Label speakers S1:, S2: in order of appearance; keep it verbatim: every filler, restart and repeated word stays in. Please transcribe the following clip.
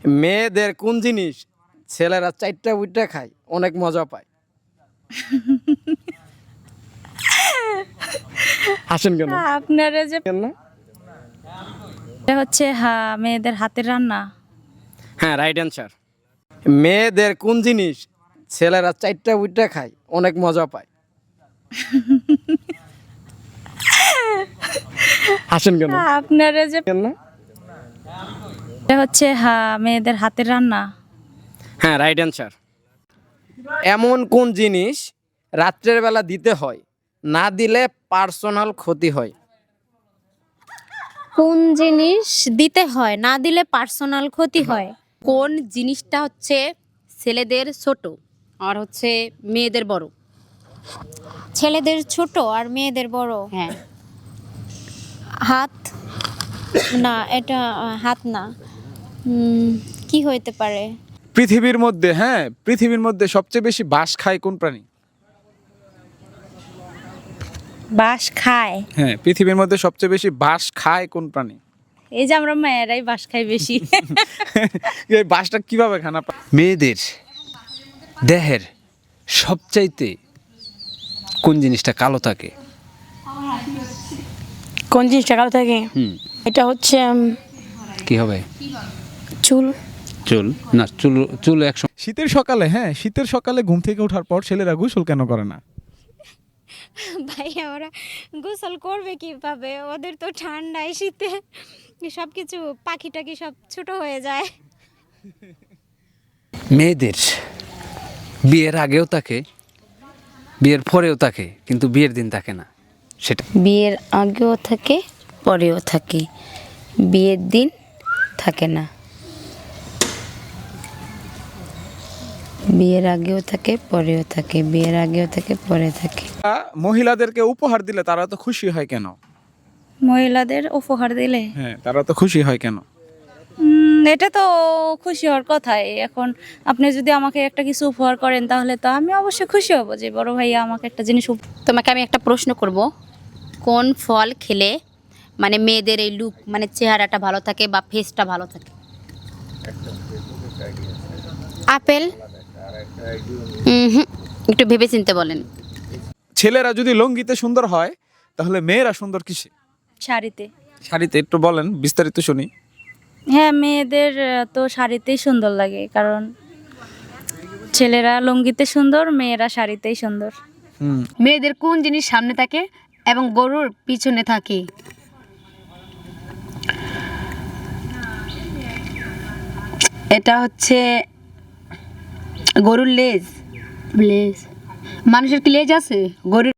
S1: মেয়েদের কোন জিনিস ছেলেরা চারটা উইটা খায় অনেক মজা পায়? হাসেন কেন?
S2: আপনারা যে
S1: কেন না?
S2: এটা হচ্ছে হ্যাঁ মেয়েদের হাতের রান্না।
S1: হ্যাঁ, রাইট অ্যান্সার। মেয়েদের কোন জিনিস ছেলেরা চারটা উইটা খায় অনেক মজা পায়? হাসেন কেন?
S2: আপনারা যে
S1: কেন না?
S2: এটা হচ্ছে হ্যাঁ মেয়েদের হাতের রান্না।
S1: হ্যাঁ, রাইট অ্যান্সার। এমন কোন জিনিস রাত্রের বেলা দিতে হয়, না দিলে পার্সোনাল ক্ষতি হয়?
S3: কোন জিনিস দিতে হয় না দিলে পার্সোনাল ক্ষতি হয়? কোন জিনিসটা হচ্ছে ছেলেদের ছোট আর হচ্ছে মেয়েদের বড়? ছেলেদের ছোট আর মেয়েদের বড়। হ্যাঁ। হাত না, এটা আহ, হাত না। উম, কি হইতে পারে?
S4: পৃথিবীর মধ্যে হ্যাঁ পৃথিবীর মধ্যে সবচেয়ে বেশি বাঁশ খায় কোন প্রাণী?
S2: বাঁশ খায়?
S4: হ্যাঁ, পৃথিবীর মধ্যে সবচেয়ে বেশি বাঁশ খায় কোন প্রাণী?
S2: এই যে আমরা মেয়েরাই বাঁশ খাই বেশি।
S4: এই বাঁশটা কিভাবে খানা পায়?
S5: মেয়েদের দেহের সবচাইতে কোন জিনিসটা কালো থাকে?
S6: কোন জিনিসটা কালো থাকে?
S5: হুম
S6: এটা হচ্ছে উম,
S5: কি হবে?
S6: চুল।
S5: চুল না, চুল চুল এক
S4: শীতের সকালে হ্যাঁ শীতের সকালে ঘুম থেকে ওঠার পর ছেলেরা গোসল কেন করে না?
S3: ভাই ওরা গোসল করবে কিভাবে? ওদের তো ঠান্ডায় শীতে সব কিছু পাখি টাকি সব ছোট হয়ে যায়।
S5: মেয়েদের বিয়ের আগেও থাকে, বিয়ের পরেও থাকে, কিন্তু বিয়ের দিন থাকে না। সেটা
S6: বিয়ের আগেও থাকে পরেও থাকে, বিয়ের দিন থাকে না। বিয়ের আগেও থাকে পরেও থাকে, বিয়ের আগেও থাকে পরে থাকে।
S4: মহিলাদেরকে উপহার দিলে তারা তো খুশি হয় কেন?
S2: মহিলাদের উপহার দিলে
S4: হ্যাঁ, তারা তো খুশি হয় কেন?
S2: উম, এটা তো খুশি হওয়ার কথাই। এখন আপনি যদি আমাকে একটা কিছু উপহার করেন তাহলে তো আমি অবশ্যই খুশি হব যে বড় ভাইয়া আমাকে একটা জিনিস উপ-
S3: তোমাকে আমি একটা প্রশ্ন করব, কোন ফল খেলে মানে মেয়েদের এই লুক মানে চেহারাটা ভালো থাকে বা ফেসটা ভালো থাকে? আপেল? হুম, একটু ভেবে চিনতে বলেন।
S4: ছেলেরা যদি লঙ্গিতে সুন্দর হয় তাহলে মেয়েরা সুন্দর কিসে?
S2: শাড়িতে।
S4: শাড়িতে একটু বলেন, বিস্তারিত শুনি।
S2: হ্যাঁ, মেয়েদের আহ, তো শাড়িতেই সুন্দর লাগে, কারণ ছেলেরা লুঙ্গিতে সুন্দর, মেয়েরা শাড়িতেই সুন্দর।
S4: হুম
S7: মেয়েদের কোন জিনিস সামনে থাকে এবং গরুর পিছনে থাকে? এটা হচ্ছে গরুর লেজ। লেজ? মানুষের কি লেজ আছে? গরুর